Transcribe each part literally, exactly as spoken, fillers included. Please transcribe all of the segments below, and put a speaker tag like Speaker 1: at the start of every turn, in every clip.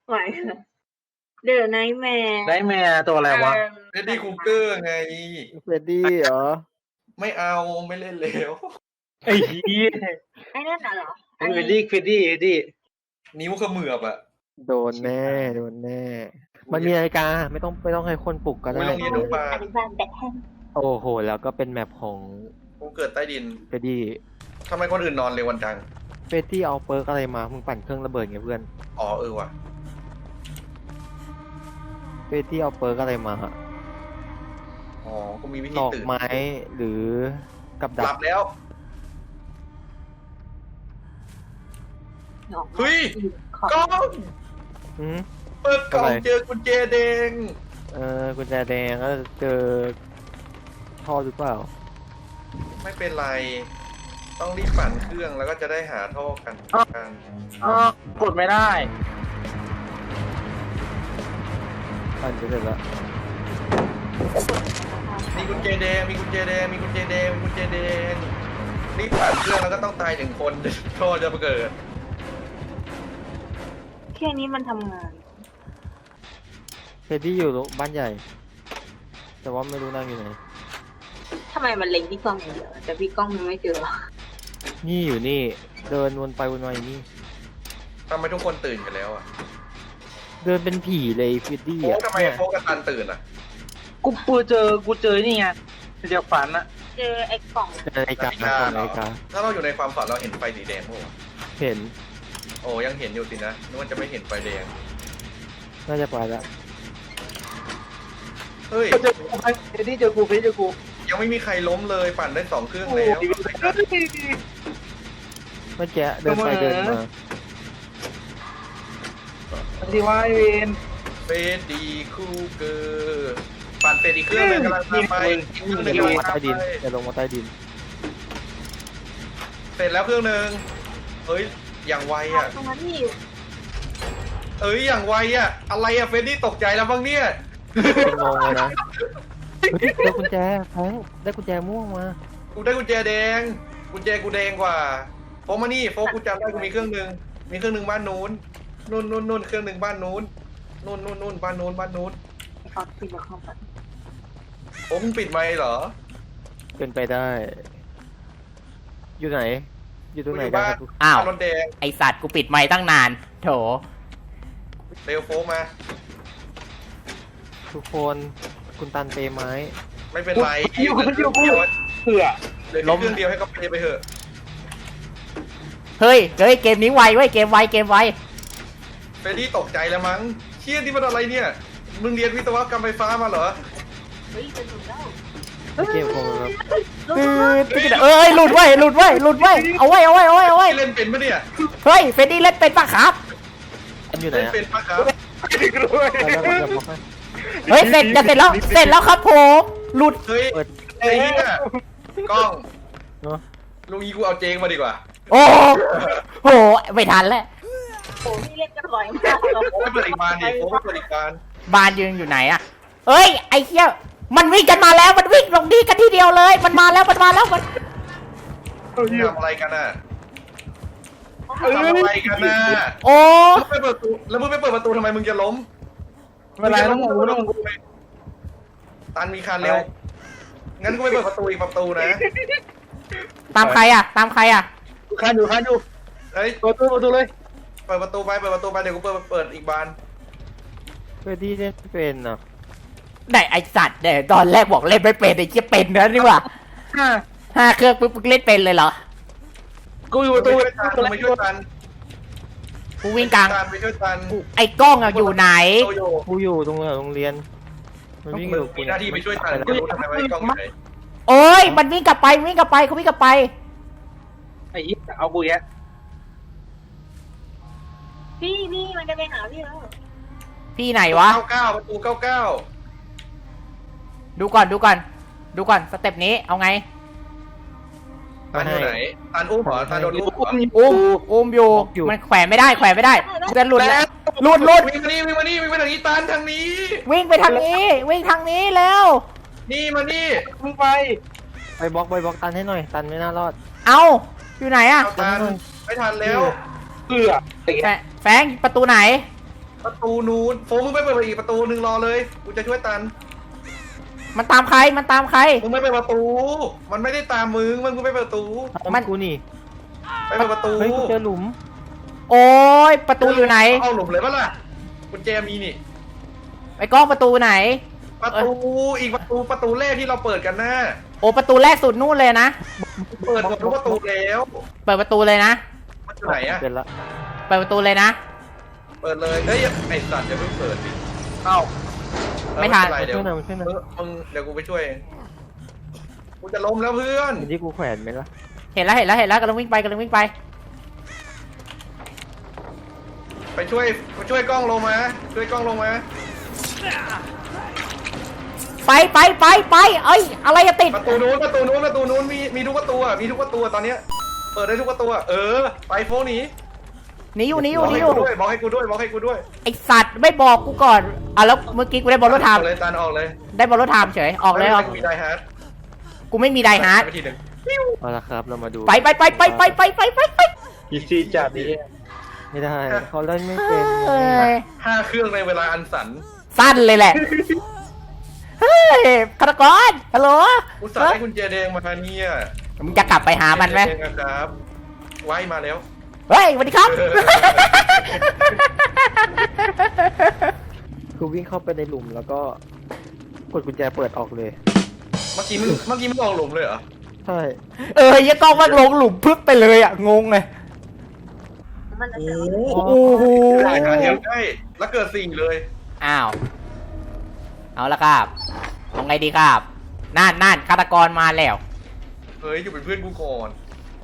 Speaker 1: ไหวเดอะไนท์แมร์
Speaker 2: ไนท์แมร์ตัวอะไรวะ
Speaker 3: เฟรดดี้คูเกอร์ไง
Speaker 4: เฟรดดี้เหรอ
Speaker 3: ไม่เอาไม่เล่นแล้ว
Speaker 2: ไอ้เหี้ย
Speaker 1: ไอ้นั่นน่ะเหรอ
Speaker 2: เฟรดดี้เฟรดดี้ดิ
Speaker 3: นิ้วขมือบอ่ะ
Speaker 4: โดนแน่โดนแน่มันมีนาฬิกาไม่ต้องไม่ต้องให้คนปลุกก็ได้
Speaker 3: ไม่ต้องเรียนรู้ปลา
Speaker 4: โอ้โหแล้วก็เป็นแมปของ
Speaker 3: กูเกิดใต้ดิน
Speaker 4: เฟรดดี้
Speaker 3: ทำไมคนอื่นนอนเร็ววันจัง
Speaker 4: เฟรดดี้เอาเปิร์กอะไรมามึงปั่นเครื่องระเบิดไงเพื่อน
Speaker 3: อ๋อเออว่ะ
Speaker 4: เฟรดดี้เอาเปิร์กอะไรมาฮะ
Speaker 3: อ๋อกูมีวิธี
Speaker 4: ตอก
Speaker 3: ตื่น
Speaker 4: ไม้หรือกับดัก
Speaker 3: หลับแล้วเฮ้ยกล้องเปิดกล่องเจอกุญแจแดง
Speaker 4: เออกุญแจแดงก็เจอท่อหรือเปล่า
Speaker 3: ไม่เป็นไรต้องรีบปั่นเครื่องแล้วก็จะได้หาท่อกันกัน
Speaker 2: อ๋อกดไม่ได้
Speaker 4: ปั่นไปเสร็จแล้ว
Speaker 3: มีกุญแจแดงมีกุญแจแดงมีกุญแจแดงมีกุญแจแดงรีบปั่นเครื่องแล้วก็ต้องตายหนึ่งคนท่อจะเกิด
Speaker 1: แค่นี้มันทำงาน
Speaker 4: เฟรดดี้อยู่บ้านใหญ่แต่ว่าไม่รู้นั่งอยู่ไหน
Speaker 1: ทำไมมันเล็งพี่กล้องอย่างเดียวแต่พี่กล้องมันไม่เจอ
Speaker 4: นี่อยู่นี่เดินวนไปวนมาอยู่นี่
Speaker 3: ทำไมทุกคนตื่นกันแล้วอ่ะ
Speaker 4: เดินเป็นผีเลยเฟรดดี้
Speaker 3: อ่ะทำไมโฟกัสตันตื่นอ่ะ
Speaker 2: กูกูเจอกูเจอนี่ไงเดี๋ยวฝันอะ
Speaker 1: เจอไอ้กล่อง
Speaker 4: เจอไอ้กานะกล่องไอ้กา
Speaker 3: ถ้าเราอยู่ในความฝันเราเห็นไฟสีแดงโอ้
Speaker 4: เห็น
Speaker 3: โอ้ยังเห็นอยู่สินะนึกว่าจะไม่เห็นไฟแดง
Speaker 4: น่าจะไปแล้ว
Speaker 3: เฮ้ย
Speaker 2: เจอกูเฟรดดี้เจอกูเฟรดดี้เจอกู
Speaker 3: ยังไม่มีใครล้มเลยปั่นได้สองเครื่องแล้ว
Speaker 4: เมื่อกี้เดินไปเดินมา
Speaker 2: ดีว่าไอเวน
Speaker 3: เฟรดดี้คูเกอร์ปั่นเฟรดดี้เครื่องเลยกำลังไปเครื่องหนึ่ง
Speaker 4: ลงมาใต้ดินจะลงมาใต้ดิน
Speaker 3: เสร็จแล้วเครื่องหนึ่งเฮ้ยอย่างไวอ่ะ
Speaker 1: ตรงนั้นนี่
Speaker 3: เอ้ยอย่างไวอ่ะอะไรอ่ะเฟรดดี้ตกใจแล้วบ้างเนี่ย
Speaker 4: งงเลยนะได้กุญแจแฟงได้กุญแจม่วงมา
Speaker 3: กูได้กุญแจแดงกุญแจกูแดงกว่าโฟมานี่โฟกูจำได้กูมีเครื่องหนึ่งมีเครื่องหนึ่งบ้านนู้นนู่นนู่นนู่นเครื่องหนึ่งบ้านนู้นนู่นนู่นนู่นบ้านนู้นบ้านนู้น
Speaker 1: เขาปิดเข้าไป
Speaker 3: โอ้มึงปิดไมค์เหรอ
Speaker 4: เป็นไปได้อยู่ไหนอยู่ตรงไหน
Speaker 3: บ้าน
Speaker 5: อ้าว
Speaker 3: รถแดง
Speaker 5: ไอสัตว์กูปิดไมค์ตั้งนานโถ
Speaker 3: เร็วโฟมา
Speaker 4: ทุกคนคุณตันเปไม้
Speaker 3: ไม่เป็นไร
Speaker 2: อยู่คนเดียวกูเผื่อ
Speaker 3: ล้มเครื่องเดียวให้เขาเปไปเถอะ
Speaker 5: เฮ้ยเฮ้ยเกมนี้ไวเว้ยเกมไวเกมไว
Speaker 3: เฟรดดี้ตกใจแล้วมั้งเชี่ยที่มันอะไรเนี่ยมึงเรียนวิศวกรรมไฟฟ้ามาเหรอ
Speaker 1: เฮ้ยจะหลุดแล้ว
Speaker 4: เกมคงครับ
Speaker 5: เอ้ยหลุดไว้หลุดไว้หลุดไว้เอาไว้เอาไว้เอาไว้เอาไว้
Speaker 3: เล่นเป็นปะเนี่ย
Speaker 5: เฮ้ยเฟรดดี้เล่นเป็นปะครับ
Speaker 4: อยู่ไหน
Speaker 3: เล่นเป็นปะครับ
Speaker 5: เฮ้ยเสร็จจะเสร็จแล้วเสร็จแล้วครับผมหลุด
Speaker 3: เฮ้ยไอ้เนี่ยกล้องลุงยีกูเอาเจงมาดีกว่า
Speaker 5: โอ้โหไม่ทันแล้ว
Speaker 1: โอ้พี่เล่นกันบ่อยมาก
Speaker 3: โอ้ไม่เปิดอีกบานดิโอ้ไม่เปิดอีกบาน
Speaker 5: บานยืนอยู่ไหนอะเฮ้ยไอ้เหี้ยมันวิ่งกันมาแล้วมันวิ่งลงดีกันทีเดียวเลยมันมาแล้วมันมาแล้วมัน
Speaker 3: ทำอะไรกันน่ะทำอะไรกันน่ะ
Speaker 5: โอ้
Speaker 3: ไม่เปิดประตูแล้วมึงไม่เปิดประตูทำไมมึงจะล้ม
Speaker 2: เวลาต้องงูต้องงู
Speaker 3: ตันมีคันเร็วงั้นกูไม่เปิดประตูอีกประตูนะ
Speaker 5: ตามใครอะตามใครอะ
Speaker 2: คันอยู่คันอยู่
Speaker 3: เฮ้ย
Speaker 2: เปิดประตูประตูเลย
Speaker 3: เปิดประตูไปเปิดประตูไปเดี๋ยวกูเปิดเปิดอีกบาน
Speaker 4: เฟรดดี้เล่นเป็นเนาะ
Speaker 5: ได้ไอสัตว์เนี่ยตอนแรกบอกเล่นไม่เป็นไอ้เชี่ยเป็นนะนี่ว่าห้าเครื่องปุ๊บเล่นเป็นเลยเหรอ
Speaker 3: กูอยู่ประตูไปช่วยตัน
Speaker 5: กูวิ่งกลาง
Speaker 3: ไปช่วยตัน
Speaker 5: ไอ้กล้องอะอยู่ไหน
Speaker 4: กูอยู่ตรงโรงเรียนมันวิ่งอยู่
Speaker 3: มีหน้าที่ไปช่วยตันกูรู้ทำไมไอ้กล้องไหน
Speaker 5: โอ้ยมันวิ่งกลับไปวิ่งกลับไปเขาวิ่งกลับไป
Speaker 2: ไอ้เอากูแยะ
Speaker 1: พี่พี่มันจะไปหาพี่แล้ว
Speaker 5: พี่ไหนวะ
Speaker 3: เก้าเก้าประตูเก้าเก้า
Speaker 5: ดูก่อนดูก่อนดูก่อนสเต็ปนี้เอาไง
Speaker 3: ตันอยู่ไหนตันอุ้มเหรอตันโดนอุ้ม
Speaker 5: อุ้มอุ้มอยู่มันแขวนไม่ได้แขวนไม่ได้จะหลุดแล้วหลุดหลุด
Speaker 3: วิ่งมานี่วิ่งมานี่วิ่งไปทางนี้ตันทางนี้
Speaker 5: วิ่งไปทางนี้วิ่งทางนี้แล้ว
Speaker 3: นี่มานี่
Speaker 2: มึงไป
Speaker 4: ไปบล็อกไปบล็อกตันให้หน่อยตันไม่น่ารอด
Speaker 5: เอาอยู่ไหนอะ
Speaker 3: ตันไม่ทันแล้ว
Speaker 2: เผื่อ
Speaker 5: แฟงประตูไหน
Speaker 3: ประตูนู้นโฟมึงไม่เปิดอีกประตูหนึ่งรอเลยกูจะช่วยตัน
Speaker 5: มันตามใครมันตามใคร
Speaker 3: มึงไม่เปิดประตู มันไม่ได้ตามมึงมันกูไม่เปิดประตู
Speaker 5: มัน
Speaker 4: กูนี่
Speaker 3: ไปเปิดประตู
Speaker 4: เฮ้ยกูเจอหลุม
Speaker 5: โอ้ยประตูอยู่ไหน
Speaker 3: เอาหลุมเลยปะล่ะกุญแจมีนี่
Speaker 5: ไอ้กล้องประตูไหน
Speaker 3: ประตูอีกประตูประตูแรกที่เราเปิดกันนะ
Speaker 5: โอ้ประตูแรกสุดนู่นเลยนะ
Speaker 3: เปิดหมดทุกประตูแล้ว
Speaker 5: เปิดประตูเลยนะ
Speaker 3: มันอยู่ไหนอะ
Speaker 4: เป็นละ
Speaker 5: เปิดประตูเลยนะ
Speaker 3: เปิดเลยเฮ้ยไอสัตว์อย่าเพิ่งเปิดดิ
Speaker 2: เอ้า
Speaker 5: ไม่ทัน
Speaker 3: เออ
Speaker 4: มา
Speaker 3: เดี๋ย
Speaker 4: ช่
Speaker 3: ว
Speaker 4: วยหน่อยมาช่วยหน่อย
Speaker 3: เออมึงเดี๋ยวกูไปช่วยเองกูจะล้มแล้วเพื่อน
Speaker 4: เห็นที่กูแขวนไหมล่ะ
Speaker 5: เห็นแล้วเห็นแล้วเห็นแล้วกำลังวิ่งไปกำลังวิ่งไป
Speaker 3: ไปช่วยไปช่วยกล้องลงมาช่วยกล้องลงมา
Speaker 5: ไปไปไปไปเอ้ยอะไรจะติด
Speaker 3: ประตูนู้นประตูนู้นประตูนู้นมีมีทุกประตูอะมีทุกประตูอะตอนเนี้ยเปิดได้ทุกประตูอะเออไปโฟนหนี
Speaker 5: หนีอยู่หนีอบ
Speaker 3: อยู่ ก
Speaker 5: หนี
Speaker 3: ให้
Speaker 5: อยู่
Speaker 3: กูด้วยบอกให้กูด้วยบอกให้กูด้วย
Speaker 5: ไอสัตว์ไม่บอกกูก่อนอ่ะแล้วเมื่อกี้กูได้บอลรถไท
Speaker 3: อ
Speaker 5: ม์
Speaker 3: อกเลยตันออกเลย
Speaker 5: ได้บอลรถไทม์เฉยออกเลยออก
Speaker 3: กูมีไดฮาร์ด
Speaker 5: กูไม่มีไดฮาร์ด
Speaker 3: ไปทีหนึ่ง
Speaker 4: เอาละครับเรามาดู
Speaker 5: ไปไปไปไปไปไปไปไปไป
Speaker 2: อีซีจัดดิ
Speaker 4: ไม่ได้เขาเล่นไม่เป็น
Speaker 5: เอ้ย
Speaker 3: ห้าเครื่องในเวลาอันสัน
Speaker 5: สั้นเลยแหละเฮ้ยฆาตกรฮัลโหล
Speaker 3: อุตส่าห์ให้คุณเจแดงมาเนี่ย
Speaker 5: มึงจะกลับไปหามันไหม
Speaker 3: เจแดงนะครับไว้มาแล้ว
Speaker 5: เฮ้ยสวัสดีครับ
Speaker 4: คือวิ่งเข้าไปในหลุมแล้วก็กดกุญแจเปิดออกเลย
Speaker 3: เมื่อกี้มึงเมื่อกี้มึงออกหลุมเลยเหรอ
Speaker 4: ใช่
Speaker 5: เออยังกล้องมันลงหลุมพึบไปเลยอ่ะงงเลย
Speaker 1: มันจะ
Speaker 3: โอ้
Speaker 1: เจอ
Speaker 5: โอ้โห
Speaker 3: ได้หาเดียวได้แล้วเกิดสิ่งเลย
Speaker 5: อ้าวเอาละครับเอาไงดีครับนั่นนั่นฆาตกรมาแล้ว
Speaker 3: เฮ้ยอยู่เป็นเพื่อนกูก่อน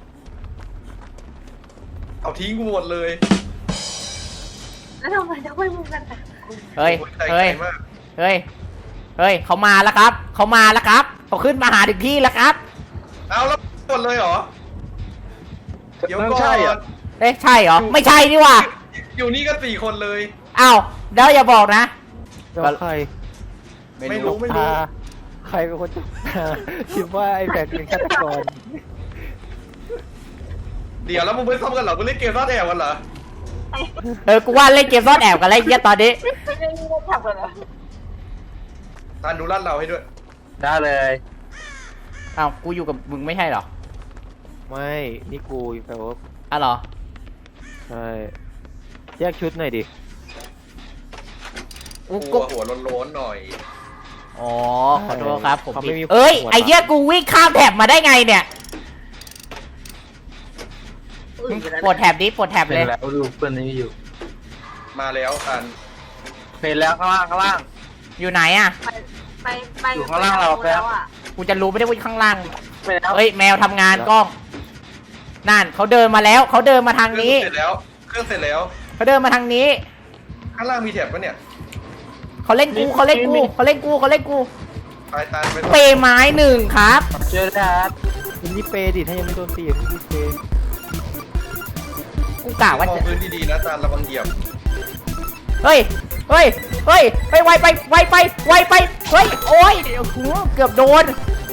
Speaker 3: เอาทิ้งกูหมดเลย
Speaker 1: แล้วทำไมต้องไปมุงกันแต่
Speaker 5: เฮ้ย
Speaker 3: โอ้ใจ
Speaker 5: เฮ้ย
Speaker 3: ใจมาก
Speaker 5: เฮ้ยเฮ้ยเขามาแล้วครับเขามาแล้วครับเขาขึ้นมาหาถึงที่แล้วครับ
Speaker 3: เอาแล้วหมดเลยเหรอเดี๋ยว
Speaker 2: นั่น
Speaker 3: ก่อน
Speaker 2: ใช่เหรอ
Speaker 5: เอ๊ะใช่เหรอไม่ใช่นี่หว่า
Speaker 3: อยู่นี่ก็สี่คนเลย
Speaker 5: อ้าวเดี๋ยวอย่าบอกนะ
Speaker 4: แล้วใคร
Speaker 3: ไม่รู้ไม่รู้
Speaker 4: ตาใครเป็นคนจับตาคิดว่าไอ้แบกเป็นฆาตกร
Speaker 3: เดี๋ยวแล้วมึงไม่ซ้อมกันเหรอมึงเล่นเกมซ่อนแอบกันเหรอ
Speaker 5: เออกูว่าเล่นเกมซ่อนแอบกันแล้วไอ้เหี้ยตอนนี้
Speaker 1: ไม่ได้ไม่ได้ทำกันเหรอ
Speaker 3: ตานดูลาดเราให้ด้วย
Speaker 2: ได้เลย
Speaker 5: อ้าวกูอยู่กับมึงไม่ใช่เหรอ
Speaker 4: ไม่นี่กูแปลว่า
Speaker 5: อ้าวเหรอ
Speaker 4: ใช่แยกชุดหน่อยดิ
Speaker 5: กู
Speaker 3: กู
Speaker 5: กู
Speaker 3: หัวโล้นๆหน่อย
Speaker 5: อ๋อขอโทษครับผม
Speaker 4: เขา
Speaker 5: ผิ
Speaker 4: ไม่
Speaker 5: ด
Speaker 4: มี
Speaker 5: เอ้ย
Speaker 4: หัว
Speaker 5: ไอ้เหี้ยกูวิ่งข้ามแถบมาได้ไงเนี่ย
Speaker 1: อื่นอยู่แล้ว
Speaker 5: ปลดแถบดิปลดแถบ
Speaker 2: เห็
Speaker 5: เลย
Speaker 2: นแล้วดูเพื่อนนี่อยู่
Speaker 3: มาแล้วตัน
Speaker 2: เห็นแล้วข้างล่างข้างล่าง
Speaker 5: อยู่ไหนอ่ะ
Speaker 1: ไปไปไป
Speaker 2: อยู่ข้างล่างเรา
Speaker 1: ไปแล้วอ่ะ
Speaker 5: กูจะรู้ไม่ได้ว่าอยู่ข้างล่าง
Speaker 2: ไปแล้ว
Speaker 5: เอ้ยแมวทำงานกล้องนั่นเขาเดินมาแล้วเขาเดินมาทาง
Speaker 3: เครื่อง
Speaker 5: นี้
Speaker 3: เสร็จแล้ว เครื่องเสร็จแล้ว
Speaker 5: เขาเดินมาทางนี้
Speaker 3: ข้างล่างมีแถบปะเนี่ย
Speaker 5: เขาเล่นกูเขาเล่นกูเขาเล่นกูเขาเล่นกู
Speaker 3: ไปตันไป
Speaker 5: เปย์ไม้หนึ่งครับ
Speaker 2: เจอแล้ว
Speaker 4: มันนี่เปย์ดิถ้ายังไม่โดนตีมันนี่เปย์
Speaker 5: กูกะว่า
Speaker 3: ว่า
Speaker 5: จะ
Speaker 3: พื้นดีๆนะตันระวังเหยียบ
Speaker 5: เฮ้ยเฮ้ยเฮ้ยไปไวไปไวไปไวไปเฮ้ยโอ้ยเดี๋ยวกูเกือบโดน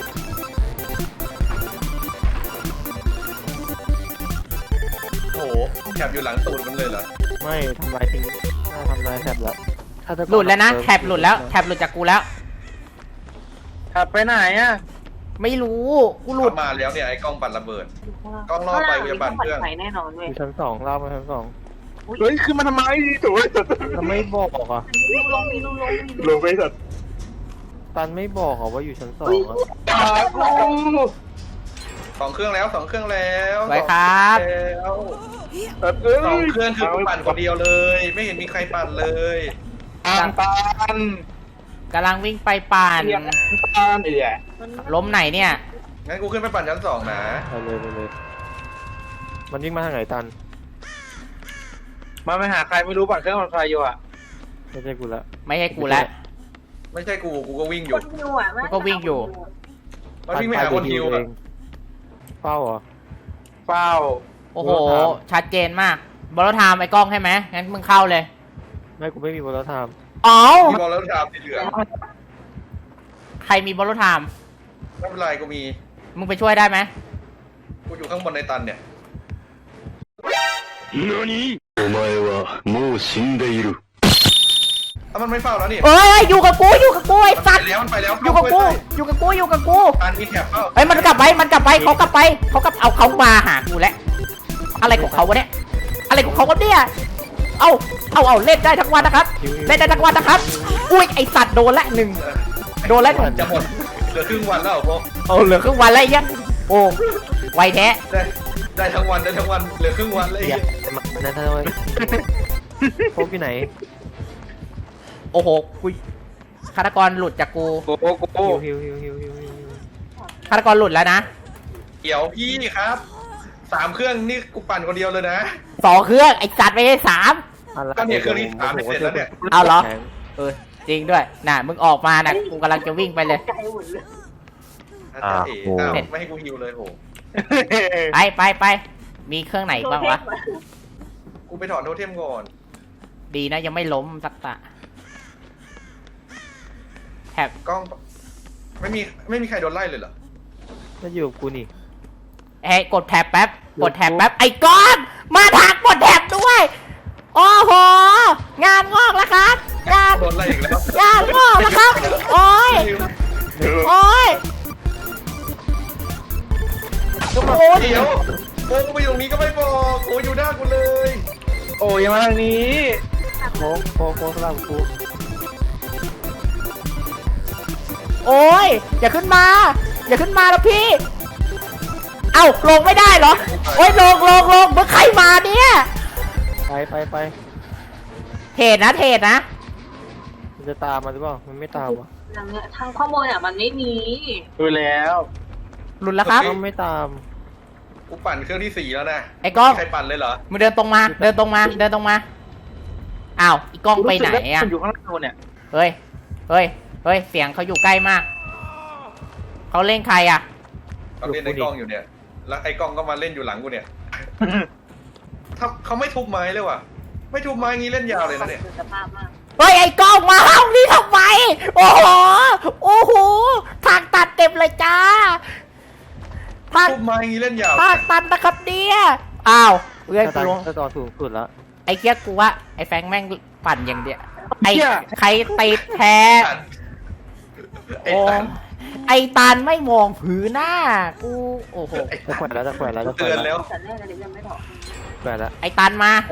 Speaker 3: โอ้โหแถบอยู่หลังตูดมันเลยเหรอ
Speaker 4: ไม่ทำลายทิ้งน่าทำลายแถบแล้วฆาตกร
Speaker 5: หลุดแล้วนะแถบหลุดแล้วแถบหลุดจากกูแล้ว
Speaker 2: ขับไปไหนอ่ะ
Speaker 5: ไม่รู้กูหลุด
Speaker 3: เข้ามาแล้วเนี่ยไอ้กล้องปั่นระเบิด กล้องล่อไปกูจะปั่นเครื่อง
Speaker 1: ไฟแน่นอนเว้
Speaker 4: อย ยู่ชั้นสองเล่ามาชั้นสอง
Speaker 2: เฮ้ยขึ้นมาทำไมโถ่
Speaker 4: ทำไม่บอกอ่ะ
Speaker 1: มีลูกลงมีลูกลงมี
Speaker 2: ลงไปสัตว์
Speaker 4: ตันไม่บอกอ่ะว่าอยู่ชั้นสองอ่ะ
Speaker 2: ตากู
Speaker 3: สองเครื่องแล้วสองเครื่องแล้ว
Speaker 5: ไว้ครับ
Speaker 3: สองเครื่องแล้ว
Speaker 2: เอ้ย
Speaker 3: สองเครื่องคือกูปั่นคนเดียวเลย ไม่เห็นมีใครปั่นเลย
Speaker 2: อ่างตาล
Speaker 5: กำลังวิ่งไปปั่น
Speaker 2: เรียกตาลไอ้แย่
Speaker 5: ล้มไหนเนี่ย
Speaker 3: งั้นกูขึ้นไปปั่นชั้นสองนะ
Speaker 4: ไปเลยไปเลย มันวิ่งมาทางไหนตัน
Speaker 2: มาไปหาใครไม่รู้ปั่นเครื่องปั่นไฟอยู่อ่ะ
Speaker 4: ไม่ใช่กูละ
Speaker 5: ไม่ใช่กูแล้ว
Speaker 3: ไม่ใช่กูกูก็วิ่งอ
Speaker 1: ค
Speaker 3: ยู่
Speaker 1: นฮิวอ่ะ
Speaker 5: ก็วิ่งอยู่
Speaker 3: มันวิ่งไปหาคนฮิว
Speaker 4: เอ
Speaker 3: อะ
Speaker 4: งเป้าเหรอ
Speaker 2: เฝ้า
Speaker 5: โอ้โห
Speaker 4: บอลรถถัง
Speaker 5: ชัดเจนมากบอลรถไทม์ไอ้กล้องใช่ไหมงั้นมึงเข้าเลย
Speaker 4: ไม่กูไม่มีบอลรถไทม์
Speaker 5: อ๋อ
Speaker 3: มีบอลแล้วดาบสีเหลือง
Speaker 5: ใครมีบอลรถไทม์
Speaker 3: ไม่เป็นไรกูมี
Speaker 5: มึงไปช่วยได้ไหม
Speaker 3: กูอยู่ข้างบนในตันเนี่ย
Speaker 6: 何お前はもう死んでいる。
Speaker 3: เอามันไม่เฝ้าแล้วนี่
Speaker 5: เอ้ยอยู่กับกูอยู่กับกูไอ้สัตว์
Speaker 3: ไปแล้วมันไปแล้ว
Speaker 5: อยู่กับกูอยู่กับกูอยู่กับกู
Speaker 3: อันมีแถบเฝ้า
Speaker 5: เอ้ยมันกลับไปมันกลับไปเขากลับไปเขากลับเอาเขามาหากูแล้วอะไรของเขาวะเนี่ยอะไรของเขาวะเนี่ยเอาเอาเอาเล่นได้ทั้งวันนะครับเล่นได้ทั้งวันนะครับอุ้ยไอสัตว์โดนละหนึ่งโดนละหนึ่ง
Speaker 3: จะหมดเหลือครึ่งวันแล้วโฟ
Speaker 5: เอาเหลือครึ่งวันแล้วไอ้เหี้ยโอ้ไวแท้
Speaker 3: ได้ได้ทั้งวันได้ทั้งวันเหลือครึ่งวันเลย
Speaker 4: อย่ามานั่นเลยโฟกอยู่ไหน
Speaker 5: โอ้โหกูฆาตกรหลุดจากกู
Speaker 2: โอ้โหโอ้โห
Speaker 4: ฮิวฮิวฮิวฮิวฮิวฮิว
Speaker 5: ฆาตกรหลุดแล้วนะ
Speaker 3: เดี๋ยวพี่ครับสามเครื่องนี่กูปั่นคนเดียวเลยนะ
Speaker 5: สองเครื่องไอสัตว์ไปได้สาม
Speaker 3: ก็เนี่ยเครื่องที่สามเสร็จแล้วเนี่ย
Speaker 5: เอาเหรอเออจริงด้วยน่ะมึงออกมาน่ะกูกำลังจะวิ่งไปเลย
Speaker 1: ใจหมดเลย
Speaker 3: อาจารย์เอ๋อ้าวไม่ให้กูฮิวเลยโห
Speaker 5: ไปไปไปมีเครื่องไหนบ้างวะ
Speaker 3: กูไปถอนโทเทมก่อน
Speaker 5: ดีนะยังไม่ล้มสักตะแถบ
Speaker 3: กล้องไม่มีไม่มีใครโดนไล่เลยเหรอ
Speaker 4: มาอยู่กับกูนี่
Speaker 5: เอ้ยกดแถบแป๊บกดแถบแป๊บไอ้ก้อนมาทางกดแถบด้วยโอ้โหงานงอกแล้วครับงาน
Speaker 3: โดนไล่อีกแล้ว
Speaker 5: งานงอกแล้วครับโอ้ยโอ้ยโอ้ย
Speaker 3: เดี๋ยวโอ้กูไปอยู่ตรงนี้ก็ไม่บอกโอ้อยู่หน้ากูเลย
Speaker 2: โอ้ยมาทางนี้
Speaker 4: โฟกโฟกโฟกสลับกู
Speaker 5: โอ้ยอย่าขึ้นมา อย่าขึ้นมาแล้วพี่ เอ้าลงไม่ได้เหรอโอ้ยลงลงลงเมื่อใครมาเนี่ย
Speaker 4: ไปไปไป
Speaker 5: เทรดนะเทรดนะ
Speaker 4: มันจะตามมาหรือเปล่ามันไม่ตามวะ
Speaker 1: ทางเนี้ยทางข้อมูลอ่ะมันไม่มี
Speaker 2: ดูแล้ว
Speaker 5: หลุดแล้วครับ
Speaker 4: มันไม่ตาม
Speaker 3: กูปั่นเครื่องที่สี่แล้วนะ
Speaker 5: ไอ้กล้อง
Speaker 3: ใครปั่นเลยเหรอ
Speaker 5: มึงเดินตรงมา เดินตรงมา เดินตรงมาอ้าวอีกล้องไปไหนอ่ะ
Speaker 2: มันอยู่ข้างล่างเนี่ย
Speaker 5: เฮ้ยเฮ้ยเฮ้ยเสียงเขาอยู่ใกล้มากเขาเล่นใครอ่ะ
Speaker 3: เขาเล่นไอ้กล้องอยู่เนี่ย แล้วไอ้กล้องก็มาเล่นอยู่หลังกูเนี่ยถ้าเขาไม่ทุบไม้เลยว่ะ ไม่ทุบไม้งี้เล่นยาวเลยนะเนี่ย
Speaker 1: คือสภาพมาก
Speaker 5: เฮ้ยไอ้กล้องมาห้องนี้ทำไมโอ้โหโอ้โหทางตัดเต็มเลยจ้าทาง
Speaker 3: ทุบไม้งี้เล่นยาว
Speaker 5: ทางตันนะครับเนี่ยอ้าวเพื่อน
Speaker 4: ถ้า
Speaker 5: กู
Speaker 4: ตา
Speaker 5: ลง
Speaker 4: ถ้าตอนสูงสุดแล้ว
Speaker 5: ไอ้เกียกูว่าไอ้แฟงแม่งปั่นอย่างเดียวไอ้ใครติดแท้
Speaker 3: ไอ้
Speaker 5: โอ้
Speaker 3: ตัน
Speaker 5: ไอ้ตันไม่มองผือหน้ากูโอ้โห
Speaker 4: จะแขวนแล้วจะแขวนแล้วจะแขว
Speaker 3: เตือน น
Speaker 4: แล้
Speaker 3: แล้ว ว
Speaker 1: แต่แรกเลยยังไม่ถอด
Speaker 4: แขวนแล้ว
Speaker 5: ไอ้ตันมา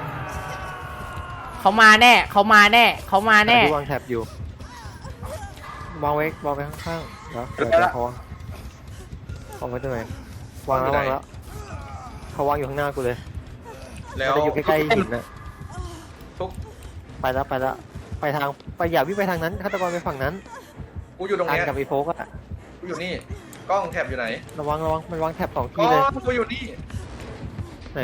Speaker 5: เขามาแน่เขามาแน่เขามาแน่
Speaker 4: ที่วางแท็บอยู่วางไว้วางไว้ข้างๆแล้วเดี๋ยวจะเขาวางไว้ตรงไหนวางแล้ววางแล้วเขาวางอยู่ข้างหน้ากูเลย
Speaker 3: แล้ว
Speaker 4: จะอยู่ใกล้ๆหินนะ
Speaker 3: ทุก
Speaker 4: ไปแล้วไปแล้วไปทางไปอย่าวิ่งไปทางนั้นฆาตกรไปฝั่งนั้น
Speaker 3: กูอยู่ตรง
Speaker 4: ทาง
Speaker 3: เนี้ย
Speaker 4: กับไอ้โฟกอะ
Speaker 3: กูอยู่นี่ กล้องแถบอยู่ไหน
Speaker 4: ระวังระวังมันวางแท็บสอง
Speaker 3: ก
Speaker 4: ที่
Speaker 3: ล้
Speaker 4: เลย
Speaker 3: องกูอยู่นี่
Speaker 4: ไหน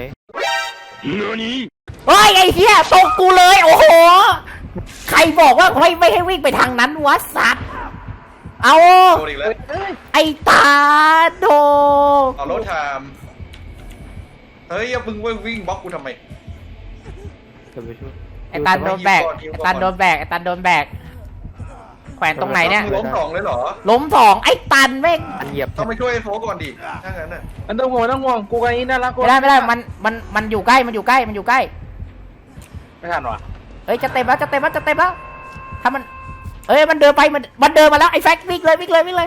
Speaker 5: เฮ้ยไอ้เหี้ยตกกูเลยโอ้โหใครบอกว่าไม่ไม่ให้วิ่งไปทางนั้นวะสัตว์เอา
Speaker 3: โดนอีกแล้ว
Speaker 5: ไอ้ตาโด
Speaker 3: เอารถไทม์เฮ้ยอย่ามึงวิ่งบล็อกกูทำไม
Speaker 4: เดี๋ยวไปช่วย
Speaker 5: ไอ้ตันโดนแบกไอ้ตันโดนแบกไอ้ตันโดนแบกแขวนตรงไหนเนี่ย
Speaker 3: มึงล้มสองเลยเหรอ
Speaker 5: ล้มสองไอ้ตันแม่ง
Speaker 4: อันเหยียบ
Speaker 3: ต้องไปช่วยไอ้โฟก่อนดิถ้างั้นน่ะ
Speaker 2: มันต้องห่วงมันต้องห่วงกูกับนี้น่ารักกู
Speaker 5: ไม่ได้ไม่ได้มันมันมันอยู่ใกล้มันอยู่ใกล้มันอยู่ใกล้
Speaker 2: ไม่ทันว่ะ
Speaker 5: เอ้ยจะเต็มแล้วจะเต็มแล้วจะเต็มแล้วถ้ามันเอ้ยมันเดินไปมันมันเดินมาแล้วไอ้แฟกวิ่งเลยวิ่งเลยวิ่งเลย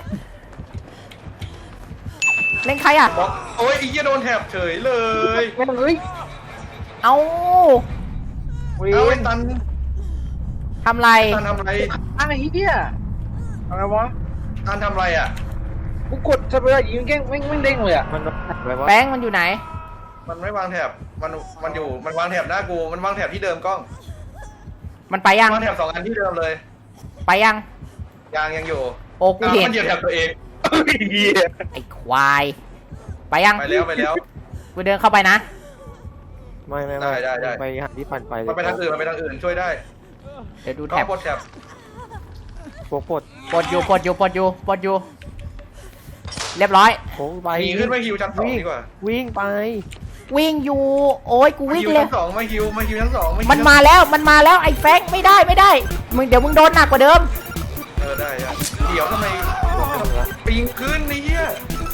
Speaker 5: เล่นใครอ่ะ
Speaker 3: บล็อกโอ้ยไอีเหี้ยโดนแถบเฉยเลย
Speaker 2: ไม่ต้องเฮ้ย
Speaker 5: เอา
Speaker 2: วิ่ง
Speaker 3: เอาไอ้ตัน
Speaker 5: ทำไร
Speaker 3: ตันทำอะไร
Speaker 2: อะไรเหี้ยอะไรวะ
Speaker 3: ตันทำอะไรอ่ะ
Speaker 2: กูกดสเปรย์ยิงแกล้งแม่งแม่งเด้งเลยอ่ะ
Speaker 4: มันวางแท็บไว้ว่า
Speaker 5: แบงค์มันอยู่ไหน
Speaker 3: มันไม่วางแถบมันมันอยู่มันวางแถบหน้ากูมันวางแถบที่เดิมกล้อง
Speaker 5: มันไปยัง
Speaker 3: วางแถบสองอันที่เดิมเลย
Speaker 5: ไปยัง
Speaker 3: ยางยังอยู่
Speaker 5: โอ้กู
Speaker 3: อ้าว
Speaker 5: เห็น
Speaker 3: มันเหยียบแถบตัวเอง
Speaker 2: เหี้ย
Speaker 5: ไอ้ควายไปยัง
Speaker 3: ไปแล้วไปแล้ว
Speaker 5: กูเดินเข้าไปนะ
Speaker 4: ไม่ไม่ไม่
Speaker 3: ได้ได้ได้
Speaker 4: ไปหาที่ปั่นไปเลย
Speaker 3: มันไปทางอื่นมันไปทางอื่นช่วยได้
Speaker 5: เดี๋ยวดู
Speaker 3: ก็
Speaker 5: แท็บ
Speaker 3: บดแถบ
Speaker 4: โฟกปลด
Speaker 5: ปลดอยู่ปลดอยู่ปลดอยู่ปลดอยู่ เรียบร้อย
Speaker 4: โฟกไป
Speaker 3: หนีขึ้นมาฮิวชั้นสองดีกว่า
Speaker 4: วิ่งไป
Speaker 5: วิ่งอยู่ โอ้ยกู
Speaker 3: มา
Speaker 5: วิ่ง
Speaker 3: ฮิว
Speaker 5: เลย
Speaker 3: ชั้นสองมาฮิวมาฮิวชั้นสองฮิว
Speaker 5: มัน
Speaker 3: ชั้
Speaker 5: มาแล้วมันมาแล้วไอ้แฟงไม่ได้ไม่ได้มึงเดี๋ยวมึงโดนหนักกว่าเดิม
Speaker 3: เออได้ได้เดี๋ยวทำไมปิงขึ้นนี่เหี้ย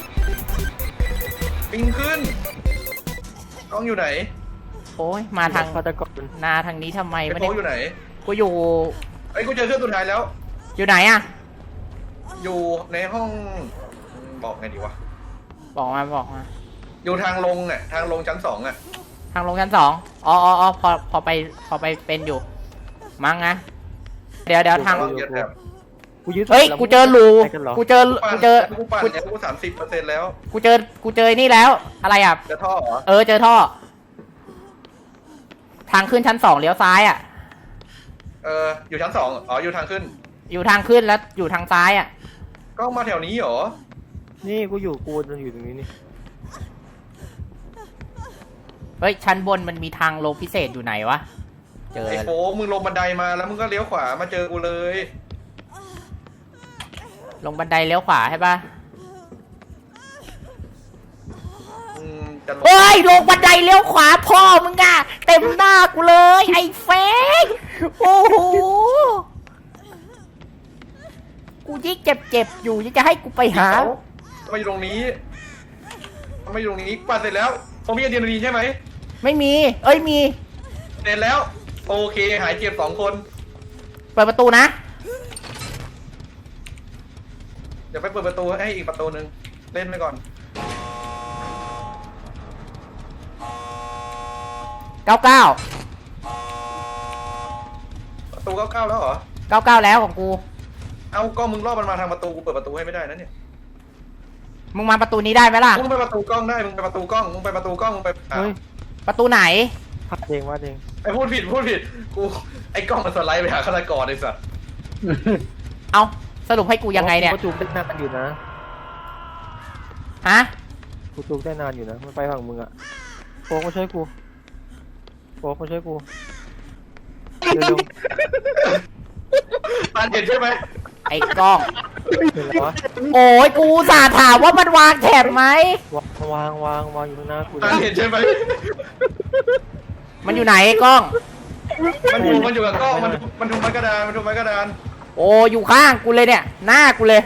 Speaker 3: ปิงขึ้นกล้องอยู่ไหน
Speaker 5: โอ้ยมาทาง
Speaker 4: ฆาตกร
Speaker 5: นาทางนี้ทำไม
Speaker 3: ไอ้
Speaker 5: ไม่
Speaker 3: โฟ
Speaker 5: ได้
Speaker 3: อยู่ไหน
Speaker 5: กูอยู่
Speaker 3: ไอ้ยกูเจอเครื่องสุดท้ายแล้ว
Speaker 5: อยู่ไหนอะ
Speaker 3: อยู่ในห้องบอกไงดีวะ
Speaker 5: บอกมาบอกมา
Speaker 3: อยู่ทางลงอ่ะทางลงชั้นสองอ่ะ
Speaker 5: ทางลงชั้นสองอ๋ออ๋ออ๋อพอพอไปพอไปเป็นอยู่ มั้งนะเดี๋ยวเดี๋ยวทาง
Speaker 3: เยอะแบบ
Speaker 4: กูยึด
Speaker 5: เฮ้ย กูเจอรู
Speaker 4: ไปกันเหรอ
Speaker 5: กูเจอ กูเจอ
Speaker 3: กูปั่น
Speaker 5: กู
Speaker 3: เนี่ยกูสามสิบเปอร์เซ็นต์แล้ว
Speaker 5: กูเจอ กูเจอนี่แล้ว อะไรอ่ะ
Speaker 3: จะท่อเหรอ
Speaker 5: เออ เจอท่อ ทางขึ้นชั้นสองเลี้ยวซ้ายอ่ะ
Speaker 3: เอออยู่ชั้นสองอ๋ออยู่ทางขึ้น
Speaker 5: อยู่ทางขึ้นแล้วอยู่ทางซ้ายอ่ะ
Speaker 3: ก็มาแถวนี้เหรอ
Speaker 4: นี่กูอยู่กูจะอยู่ตรงนี้นี่
Speaker 5: เฮ้ย ชั้นบนมันมีทางลงพิเศษอยู่ไหนวะ เจอ
Speaker 3: ไอ้โฟกมึงลงบันไดมาแล้วมึงก็เลี้ยวขวามาเจอกูเลย
Speaker 5: ลงบันไดเลี้ยวขวาใช่ปะ
Speaker 3: อืมจะลง
Speaker 5: โอ้ย ลงบันไดเลี้ยวขวาพ่อมึงอะเต็มหน้ากูเลย ไอ้เฟกโอ้โห กูยิ่งเจ็บเจ็บๆอยู่ยังจะให้กูไปหา
Speaker 3: ทำไมอยู่ตรงนี้ทำไมอยู่ตรงนี้ปั่นเสร็จแล้วผมมีอะดรีนาลีนใช่ไหม
Speaker 5: ไม่มี เอ้ยมี
Speaker 3: เสร็จแล้ว โอเคหายเจ็บสองคน
Speaker 5: เปิดประตูนะ
Speaker 3: เดี๋ยวไปเปิดประตูให้อีกประตูหนึ่งเล่นไปก่อน
Speaker 5: เก้าเก้า
Speaker 3: ประตูเก้าเก้าแล้วเหรอ
Speaker 5: เก้าเก้าแล้วของกู
Speaker 3: เอาก็มึงรอบมันมาทางประตูกูเปิดประตูให้ไม่ได้นะเนี่ย
Speaker 5: มึงมาประตูนี้ได้ไหมล่ะ
Speaker 3: มึงไปประตูกล้องได้มึงไปประตูกล้องมึงไปประตูกล้องมึงไปอ่ะ
Speaker 4: เฮ้ย
Speaker 5: ประตูไหน
Speaker 4: พัดเองว่าเอง
Speaker 3: ไอ้พูดผิดพูดผิดกูไอ้กล้องมันสไลด์ไปหาฆาตกรไอ้สัส
Speaker 5: เอาสรุปให้กูยังไงเนี่ย
Speaker 4: กูจูบได้นานอยู่นะ
Speaker 5: ฮะ
Speaker 4: กูจูบได้นานอยู่นะมันไปฝั่งมึงอะโฟกมาช่วยกูโฟกมาช่วยกูเร็ว
Speaker 3: ตานเห็นใช่ไหม
Speaker 5: ไอ้กล้อง
Speaker 4: ๆเห็นแล้ววะ
Speaker 5: โอ้ยกูอุตสาห์ถามว่ามันวางแถบไหม
Speaker 4: วางวางวางวางอยู่ข้างหน้ากู
Speaker 3: ตานเห็นใช่ไหม
Speaker 5: มันอยู่ไหนไอ้กล้อง
Speaker 3: มันอยู่มันอยู่กับกล้องมันมันถูกไม้กระดานมันถูกไม้กระดาน
Speaker 5: โอ้อยู่ข้างกูเลยเนี่ย หน้ากูเลย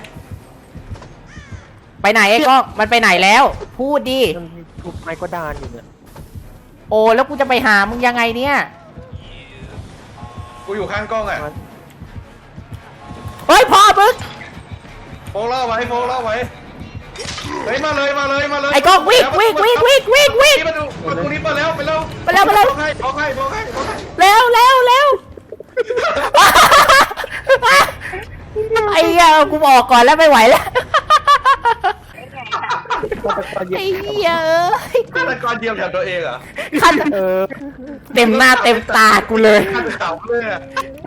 Speaker 5: ไปไหนไอ้กล้อง มันไปไหนแล้ว พูดดิ
Speaker 4: มันทุบไม้ก็ดานอยู่เนี่ย
Speaker 5: โอ้แล้วกูจะไปหามึงยังไงเนี่ย
Speaker 3: กูอยู่ข้างกล้องอ่ะ
Speaker 5: เฮ้ยพ่อมึง
Speaker 3: โฟกเล่าไว้โฟกเล่าไว้เฮ้ยมาเลยมาเลยมาเลย
Speaker 5: ไอ้กล้องวิ่งวิ่งวิ่งวิ่งวิ่งวิ่ง
Speaker 3: ประตูประตูนี้เปิดแล้วไปแล้ว
Speaker 5: ไปแล้วไปแล้ว
Speaker 3: บอกให้บอกให้บอกให้บอกให้
Speaker 5: เร็วเร็วเร็ว ไอ้เหี้ยกูบอกก่อนแล้วไม่ไหวแล้ว ไอ้เหี้ยเอ้ย
Speaker 3: ฆาตกรเดียวกับตัวเองเหรอ
Speaker 5: ขั้น
Speaker 4: เออ
Speaker 5: เต็มหน้าเต็มตากูเลย
Speaker 3: ฆาตเขาเลยอ่ะ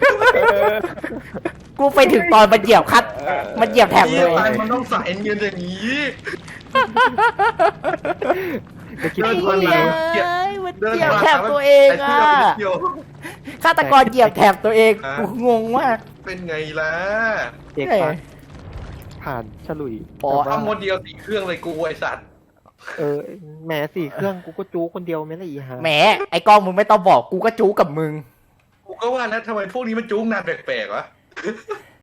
Speaker 5: กูไปถึงตอนมันเหยียบคัด มันเหยียบแถบ
Speaker 3: เฮี
Speaker 5: เลย ย
Speaker 3: ตายมันต้องใส่เงินอย่างนี้
Speaker 4: จะคิด
Speaker 5: ไอ้
Speaker 4: ว่า
Speaker 5: เหี้
Speaker 4: มี
Speaker 5: ยเอ้ยมันเหยียบแถบตัวเองอ่ะฆาตกรเหยียบแถบตัวเองกูงงมาก
Speaker 3: เป็นไงล่ะ
Speaker 4: เด็กปะผ่านฉลุย
Speaker 5: อ๋อ
Speaker 3: ทำโมเดลสี่เครื่องเลยกูไอสัตว์
Speaker 4: เออแหมสี่เครื่องกูก็จูคนเดียวไม่ละอีฮะ
Speaker 5: แหมไอ้กล้องมึงไม่ต้องบอกกูก็จู้กับมึง
Speaker 3: กูก็ว่านะทำไมพวกนี้มันจุ้งนานแปลกๆวะ